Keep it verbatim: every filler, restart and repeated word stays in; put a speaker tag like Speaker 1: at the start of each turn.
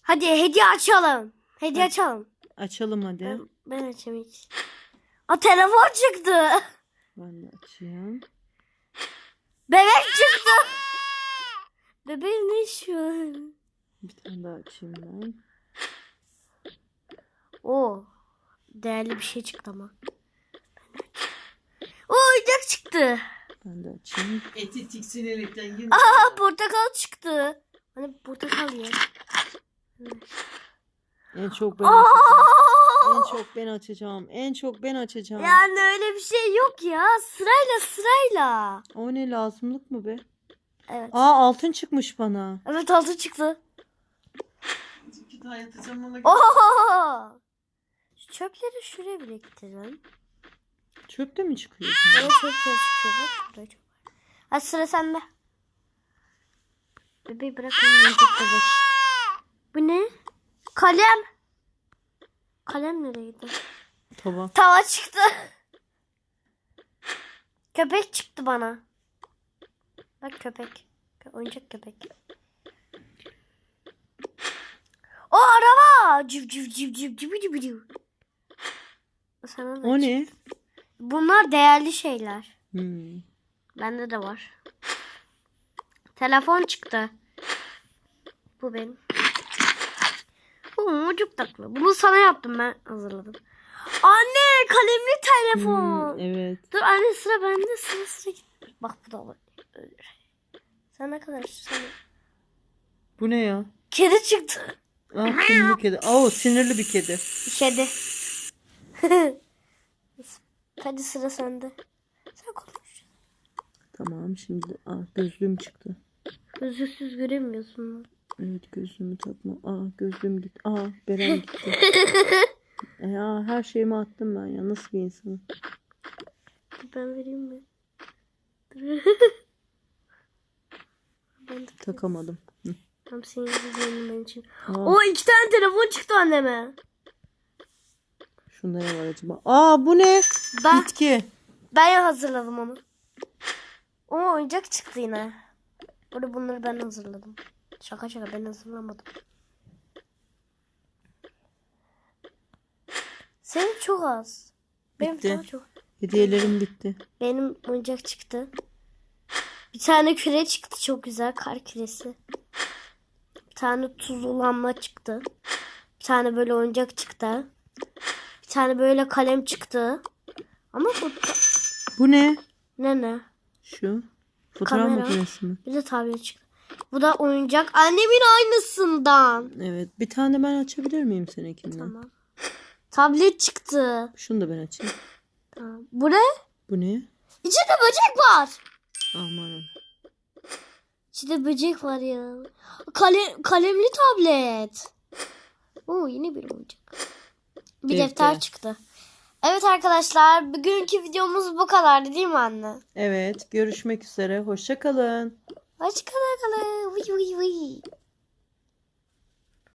Speaker 1: Hadi hediye açalım. Hediye
Speaker 2: Hadi.
Speaker 1: açalım.
Speaker 2: Açalım hadi.
Speaker 1: Ben, ben açayım hiç. Aa, telefon çıktı.
Speaker 2: Ben de açayım.
Speaker 1: Bebek çıktı. Bebeğim ne şu?
Speaker 2: Bir tane daha açayım ben.
Speaker 1: Oo. Değerli bir şey çıktı ama. Oo, oyuncak çıktı.
Speaker 2: Ben de açayım.
Speaker 3: Eti tiksinerekten yine.
Speaker 1: Aa, portakal çıktı. Hani portakal ye.
Speaker 2: En çok ben
Speaker 1: Aa!
Speaker 2: açacağım. En çok ben açacağım. En çok ben açacağım.
Speaker 1: Yani öyle bir şey yok ya. Sırayla sırayla.
Speaker 2: O ne, lazımlık mı be?
Speaker 1: Evet.
Speaker 2: Aa, altın çıkmış bana.
Speaker 1: Evet, altı çıktı.
Speaker 3: İki tane atacağım ona.
Speaker 1: Oo! Şu çöpleri şuraya biriktirin.
Speaker 2: Çöpte mi çıkıyor?
Speaker 1: Bana çöpler çıkıyor bak. Buraya çöp var. Hadi sıra sende. Bebeği bırakın. Yiyecek bebek. Bu ne? Kalem. Kalem nereye gitti?
Speaker 2: Tava.
Speaker 1: Tava çıktı. Köpek çıktı bana. Bak köpek. Oyuncak köpek. O araba. Cıv cıv cıv cıv cıv cıv cıv. Sana da
Speaker 2: O
Speaker 1: çıktı.
Speaker 2: ne?
Speaker 1: Bunlar değerli şeyler.
Speaker 2: Hmm.
Speaker 1: Bende de var. Telefon çıktı. Bu benim. Oo, çok tatlı. Bunu sana yaptım, ben hazırladım. Anne, kalemli telefon.
Speaker 2: Hmm, evet.
Speaker 1: Dur anne, sıra bende, sıra sıra. Bak bu da var. Sen ne kadar sen...
Speaker 2: Bu ne ya?
Speaker 1: Kedi çıktı.
Speaker 2: Ah, kumlu kedi. Aa, o sinirli bir kedi.
Speaker 1: Kedi. Hadi sıra sende. Sen konuş.
Speaker 2: Tamam, şimdi ah, gözlüğüm çıktı.
Speaker 1: Gözlüksüz göremiyorsun.
Speaker 2: Evet, gözlüğümü takma. Aa, gözlüğüm gitti. Aa, Beren gitti. Ya, her şeyimi attım ben ya. Nasıl bir insanım?
Speaker 1: Ben vereyim mi? Ben de
Speaker 2: Takamadım. Hı.
Speaker 1: tam senin gibi benim için.
Speaker 2: Aa,
Speaker 1: O iki tane telefon çıktı anneme.
Speaker 2: şunda ne var acaba? Aa, bu ne?
Speaker 1: Ben,
Speaker 2: Bitki.
Speaker 1: ben hazırladım onu. O oyuncak çıktı yine. Burada bunları ben hazırladım. Şaka şaka, ben hazırlamadım. Senin çok az. Benim
Speaker 2: Bitti.
Speaker 1: daha çok.
Speaker 2: Hediyelerim bitti.
Speaker 1: Benim oyuncak çıktı. Bir tane küre çıktı, çok güzel, kar küresi. Bir tane tuzlu lamba çıktı. Bir tane böyle oyuncak çıktı. Bir tane böyle kalem çıktı. Ama bu
Speaker 2: Bu ne?
Speaker 1: ne ne?
Speaker 2: Şu. Fotoğraf
Speaker 1: Kamera.
Speaker 2: makinesi mi?
Speaker 1: Bir de tablet çıktı. Bu da oyuncak. Annemin aynısından.
Speaker 2: Evet. Bir tane ben açabilir miyim seninkinden?
Speaker 1: Tamam. Tablet çıktı.
Speaker 2: Şunu da ben açayım.
Speaker 1: Tamam. Bu ne?
Speaker 2: Bu ne?
Speaker 1: İçinde böcek var.
Speaker 2: Aman.
Speaker 1: İçinde böcek var ya. Kale, kalemli tablet. Oo, yine bir oyuncak. Bir
Speaker 2: Defter.
Speaker 1: defter çıktı. Evet arkadaşlar, bugünkü videomuz bu kadardı değil mi anne?
Speaker 2: Evet. Görüşmek üzere. Hoşça kalın.
Speaker 1: Hoşçakalın. Vıy vıy vıy.